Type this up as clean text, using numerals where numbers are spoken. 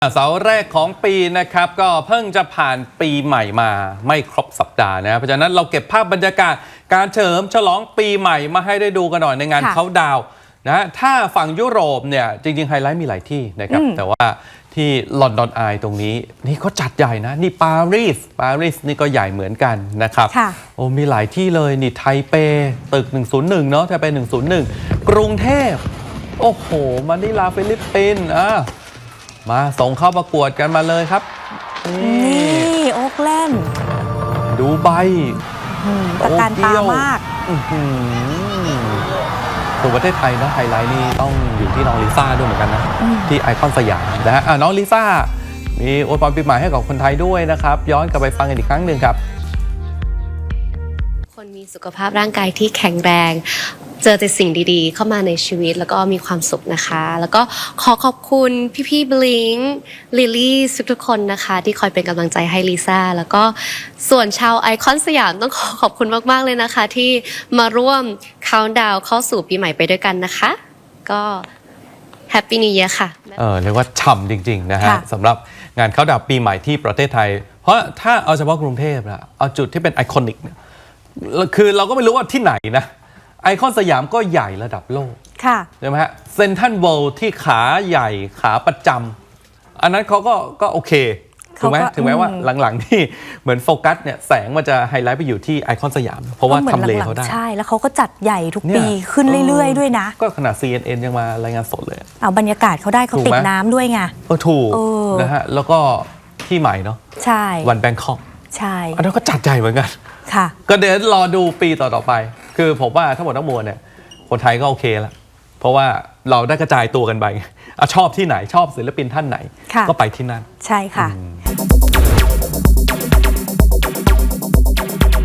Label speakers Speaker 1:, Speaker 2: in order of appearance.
Speaker 1: เสาร์แรกของปีนะครับก็เพิ่งจะผ่านปีใหม่มาไม่ครบสัปดาห์นะเพราะฉะนั้นเราเก็บภาพบรรยากาศการเฉลิมฉลองปีใหม่มาให้ได้ดูกันหน่อยในงานเค้าดาวน์นะถ้าฝั่งยุโรปเนี่ยจริงๆไฮไลท์มีหลายที่นะครับแต่ว่าที่ลอนดอนอายตรงนี้นี่ก็จัดใหญ่นะนี่ปารีสนี่ก็ใหญ่เหมือนกันนะครับโอ้มีหลายที่เลยนี่ไทเปตึก101เนาะไทเป101กรุงเทพโอ้โหมะนิลาฟิลิปปินส์มาส่งเข้าประกวดกันมาเลยครับ
Speaker 2: นี่โอ๊กแลนด์
Speaker 1: ดูใบ
Speaker 2: ตะการตามาก
Speaker 1: ตัวประเทศไทยนะไฮไลท์นี่ต้องอยู่ที่น้องลิซ่าด้วยเหมือนกันนะที่ไอคอนสยามนะฮะน้องลิซ่ามีอวยพรปีใหม่ให้กับคนไทยด้วยนะครับย้อนกลับไปฟังกันอีกครั้งหนึ่งครับ
Speaker 3: คนมีสุขภาพร่างกายที่แข็งแรงเจอแต่สิ่งดีๆเข้ามาในชีวิตแล้วก็มีความสุขนะคะแล้วก็ขอบคุณพี่บลิงลิลลี่ทุกคนนะคะที่คอยเป็นกำลังใจให้ลิซ่าแล้วก็ส่วนชาวไอคอนสยามต้องขอบคุณมากๆเลยนะคะที่มาร่วมคาวน์ดาวน์เข้าสู่ปีใหม่ไปด้วยกันนะคะก็แฮปปี้นิวเยียร์ค่ะ
Speaker 1: เรียกว่าฉ่ำจริงๆนะฮะสำหรับงานคาวน์ดาวน์ปีใหม่ที่ประเทศไทยเพราะถ้าเอาเฉพาะกรุงเทพนะเอาจุดที่เป็นไอคอนิกเนี่ยคือเราก็ไม่รู้ว่าที่ไหนนะไอคอนสยามก็ใหญ่ระดับโลกใช่ไหมฮะเซ็นทรัลเวิลด์ที่ขาใหญ่ขาประจำอันนั้นเขาก็โอเคถูกไหมถึงแม้ว่าหลังๆที่เหมือนโฟกัสเนี่ยแสงมันจะไฮไลท์ไปอยู่ที่ไอคอนสยามเพราะว่าทำเลเขาได้
Speaker 2: ใช่แล้วเขาก็จัดใหญ่ทุกปีขึ้นเรื่อยๆด้วยนะ
Speaker 1: ก็ขนาด CNN ยังมารายงานสดเลย
Speaker 2: เอาบรรยากาศเขาได้เขาติดน้ำด้วยไง
Speaker 1: ถูกนะฮะแล้วก็ที่ใหม่เนาะ
Speaker 2: ใช่
Speaker 1: วันแบงคอก
Speaker 2: ใช่
Speaker 1: อันนั้นก็จัดใหญ่เหมือนกัน
Speaker 2: ค่ะ
Speaker 1: ก็เดี๋ยวรอดูปีต่อไปคือผมว่าทั้งหมดทั้งมวลเนี่ยคนไทยก็โอเคแล้วเพราะว่าเราได้กระจายตัวกันไปชอบที่ไหนชอบศิลปินท่านไหนก็ไปที่นั่น
Speaker 2: ใช่ค่ะ